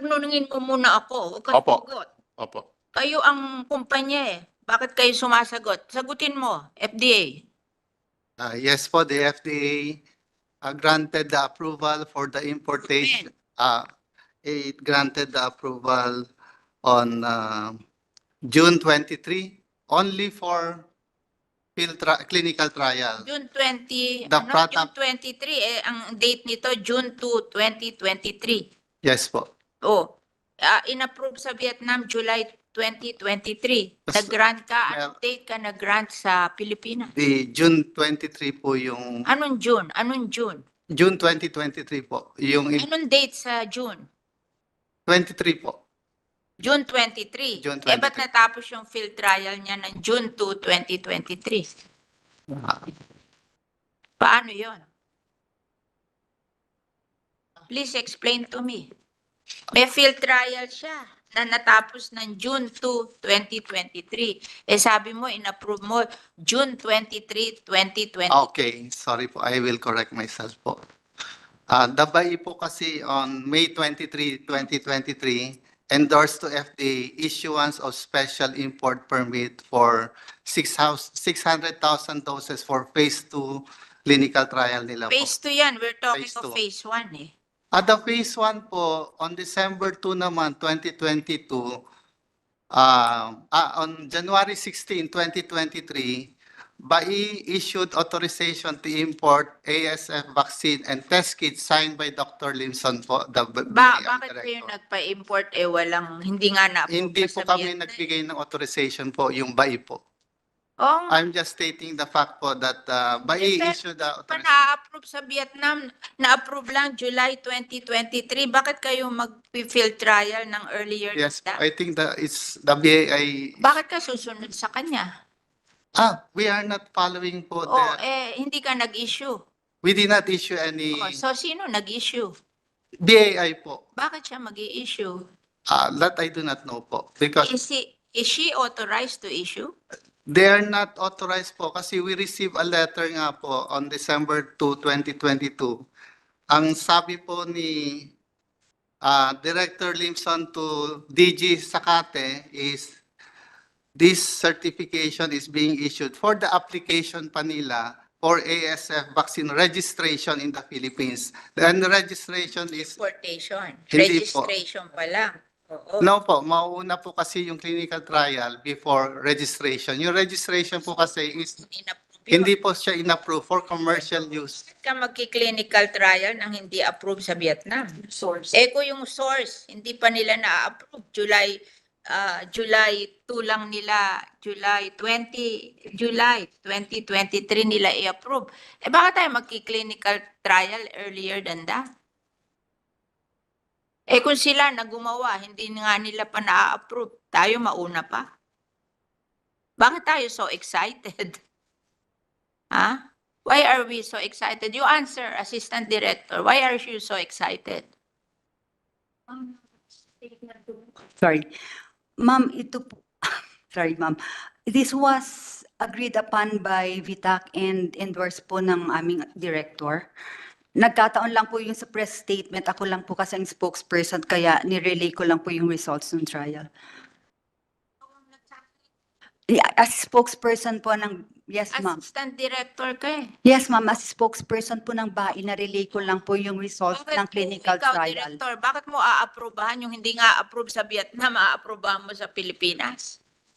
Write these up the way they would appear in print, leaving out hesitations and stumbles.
Tanungin mo muna ako, huwag kang Opo. sumagot. Opo. Kayo ang kumpanya eh. Bakit kayo sumasagot? Sagutin mo, FDA. Yes po, the FDA granted the approval for the importation. It granted the approval on June 23, only for clinical trial. June 20, The June product- 23 eh, ang date nito June 2, 2023. Yes po. Oh, in-approve sa Vietnam July 2023. Yes. Nag-grant ka, anong Well- date ka nag-grant sa Pilipinas? The June 23 po yung Anong June? Anong June? June 2023 po. Yung Anong date sa June? 23 po. June 23. June Eh, ba't 23. natapos yung field trial niya ng June 2, 2023? Paano yon? Please explain to me. May field trial siya na natapos ng June 2, 2023. Eh sabi mo, in-approve mo June 23, 2020. Okay, sorry po. I will correct myself po. The BAI po kasi on May 23, 2023, endorsed to FDA issuance of special import permit for 600,000 doses for phase 2 clinical trial nila po. Phase 2 yan. We're talking Phase of 2. phase 1 eh. At the phase 1 po, on December 2 naman, 2022, on January 16, 2023, BAI issued authorization to import ASF vaccine and test kits signed by Dr. Limson po, the BAI Bakit kayo director. nagpa-import eh hindi nga na-approve Hindi sa po kami Vietnam? nagbigay ng authorization po, yung BAI po. Oo nga. I'm just stating the fact po that BAI Pero issued the pa authorization. na-approve sa Vietnam, na-approve lang July 2023. Bakit kayo mag-field trial ng earlier Yes, than that? I think that it's the BAI. Bakit ka susunod sa kanya? We are not following po Oh, the, hindi ka nag-issue. we did not issue any Oh, so sino nag-issue? BAI po. Bakit siya mag-i-issue? That I do not know po. Because Is she authorized to issue? they are not authorized po kasi we received a letter nga po on December 2, 2022. Ang sabi po ni Director Limson to DG Sakate is this certification is being issued for the application pa nila for ASF vaccine registration in the Philippines. And the registration is, Importation. Hindi po. Registration pa lang. Oo. no po, mauuna po kasi yung clinical trial before registration. Yung registration po kasi is, In-approve yun. hindi po siya in-approve for commercial use. Bakit ka magki-clinical trial nang hindi approve sa Vietnam? Source. Kung yung source, hindi pa nila na-approve. July 2 lang nila, July 2023 nila i-approve. Bakit tayo magki-clinical trial earlier than that? Kung sila na gumawa, hindi nga nila pa na-approve, tayo mauna pa. Bakit tayo so excited? Ha? Why are we so excited? You answer, Assistant Director. Why are you so excited? Sorry. Ma'am, ito po, sorry ma'am. This was agreed upon by VITAC and endorsed po ng aming director. Nagkataon lang po yung sa press statement. Ako lang po kasi ang spokesperson kaya nirelay ko lang po yung results ng trial. Yeah, as spokesperson po ng, yes ma'am. Assistant Director ka eh. Yes ma'am, as spokesperson po ng BAI, na-relay ko lang po yung results Bakit ng kung clinical ikaw, trial. Director, bakit mo aaprobahan yung hindi nga approve sa Vietnam, aaprobahan mo sa Pilipinas?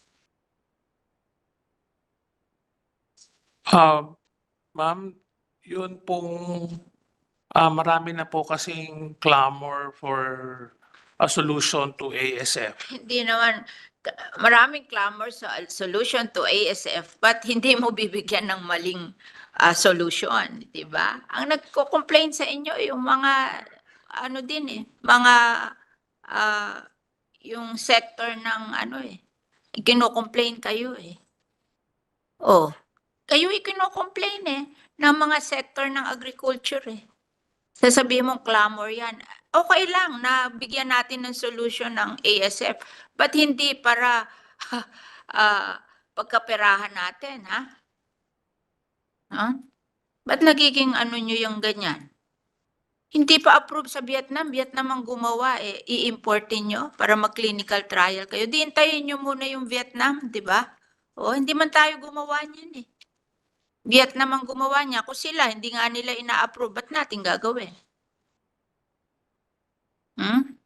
Ma'am, yun pong marami na po kasing clamor for a solution to ASF. Hindi naman, maraming clamor sa solution to ASF, but hindi mo bibigyan ng maling solution, di ba? Ang nagko-complain sa inyo, yung mga, ano din eh, mga, yung sector ng ano eh, kino-complain kayo eh. Oh, kayo ikino-complain eh, ng mga sector ng agriculture eh. Sasabihin mong clamor yan. Okay lang na bigyan natin ng solution ng ASF, but hindi para pagkaperahan natin, ha? Ba't nagiging ano nyo yung ganyan? Hindi pa approve sa Vietnam. Vietnam ang gumawa eh. I-importin nyo para mag-clinical trial kayo. Di hintayin nyo muna yung Vietnam, di ba? O, hindi man tayo gumawa niyan eh. Vietnam ang gumawa niya. Kung sila, hindi nga nila ina-approve, ba't natin gagawin? Hmm?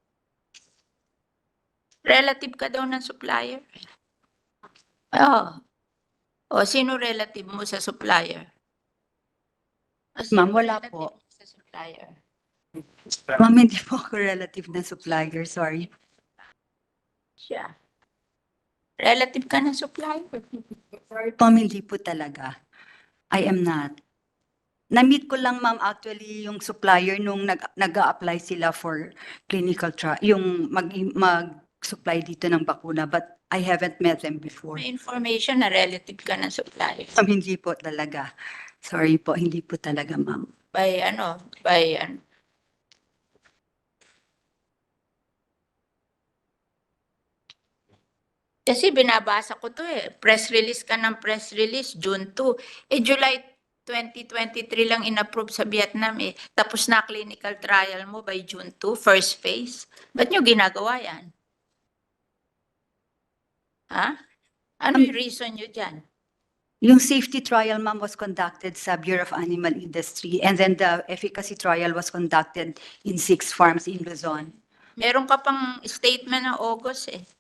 Relative ka daw ng supplier. Oo. O, sino relative mo sa supplier? O, sino Ma'am, wala relative po. mo sa supplier? Ma'am, hindi po ako relative na supplier, sorry. Siya. Relative ka ng supplier. Sorry po, ma'am, hindi po talaga. I am not. Na-meet ko lang, ma'am, actually, yung supplier nung nag-a-apply sila for clinical trial, yung mag-supply dito ng bakuna, but I haven't met them before. May information na relative ka ng supplier. Ma'am, hindi po talaga. Sorry po, hindi po talaga, ma'am. By ano. Kasi binabasa ko to eh. Press release ka ng press release, June 2. Eh, July 2023 lang inapprove sa Vietnam eh. Tapos na clinical trial mo by June 2, first phase. Ba't nyo ginagawa yan? Ha? Ano yung reason nyo dyan? Yung safety trial, ma'am, was conducted sa Bureau of Animal Industry, and then the efficacy trial was conducted in 6 farms in Luzon. Meron ka pang statement ng August eh.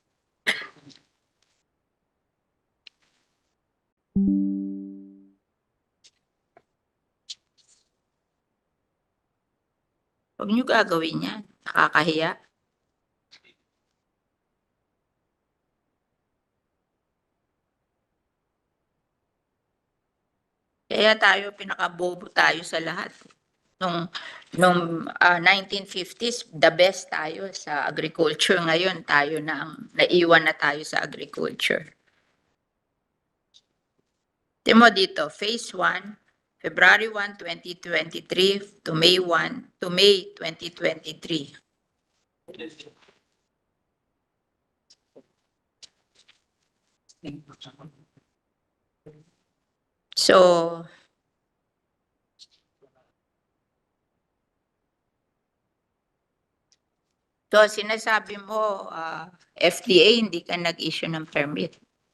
Huwag nyo gagawin yan. Nakakahiya. Kaya tayo, pinakabobo tayo sa lahat. Nung 1950s, the best tayo sa agriculture. Ngayon, tayo na ang naiwan na tayo sa agriculture. Timo dito, phase 1, February 1, 2023 to May 1 to May 2023. So, sinasabi mo, FDA, hindi ka nag-issue ng permit.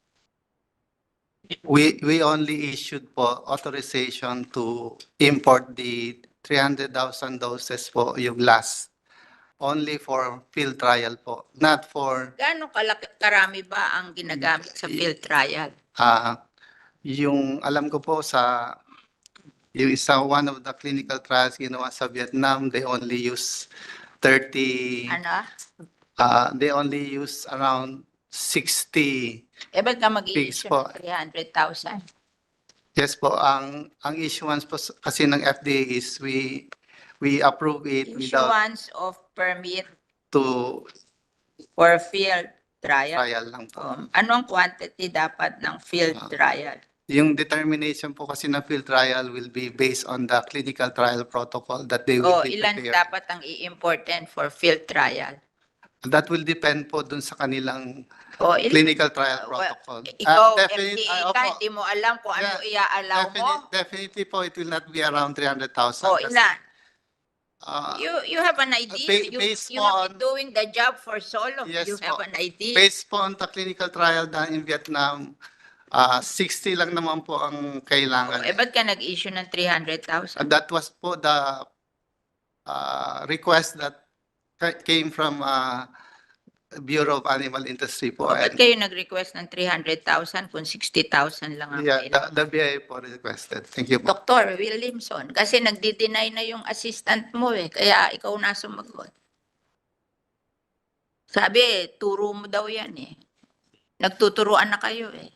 We only issued po authorization to import the 300,000 doses po yung last. Only for field trial po, not for Gaano karami ba ang ginagamit sa field trial? yung alam ko po sa yung isa one of the clinical trials ginawa sa Vietnam, they only use 30 Ano? they only use around 60. Eh, ba't ka mag-i-issue Pigs po. ng 300,000? Yes po, ang issuance po kasi ng FDA is we approve it without Issuance of permit to for field trial. trial lang po. Anong quantity dapat ng field trial? Yung determination po kasi ng field trial will be based on the clinical trial protocol that they will O be ilan prepared. dapat ang i-important for field trial? That will depend po dun sa kanilang O ilan? clinical trial Well, protocol. Ikaw, Definitely, FDA ka, hindi mo alam kung ano i-allow mo? definitely po, it will not be around 300,000. O kasi, ilan? uh, You have an idea. based You have been on- doing the job for so long. Yes You have po. an idea. Based po on the clinical trial done in Vietnam, 60 lang naman po ang kailangan. Eh, ba't ka nag-issue ng 300,000? That was po the request that came from Bureau of Animal Industry po. O, ba't And, kayo nag-request ng 300,000 kung 60,000 lang ang yeah, kailangan? the BIA po requested. Thank you po. Dr. Williamson, kasi nagdi-deny na yung assistant mo eh, kaya ikaw na sumagot. Sabi, turo mo daw yan eh. Nagtuturuan na kayo eh.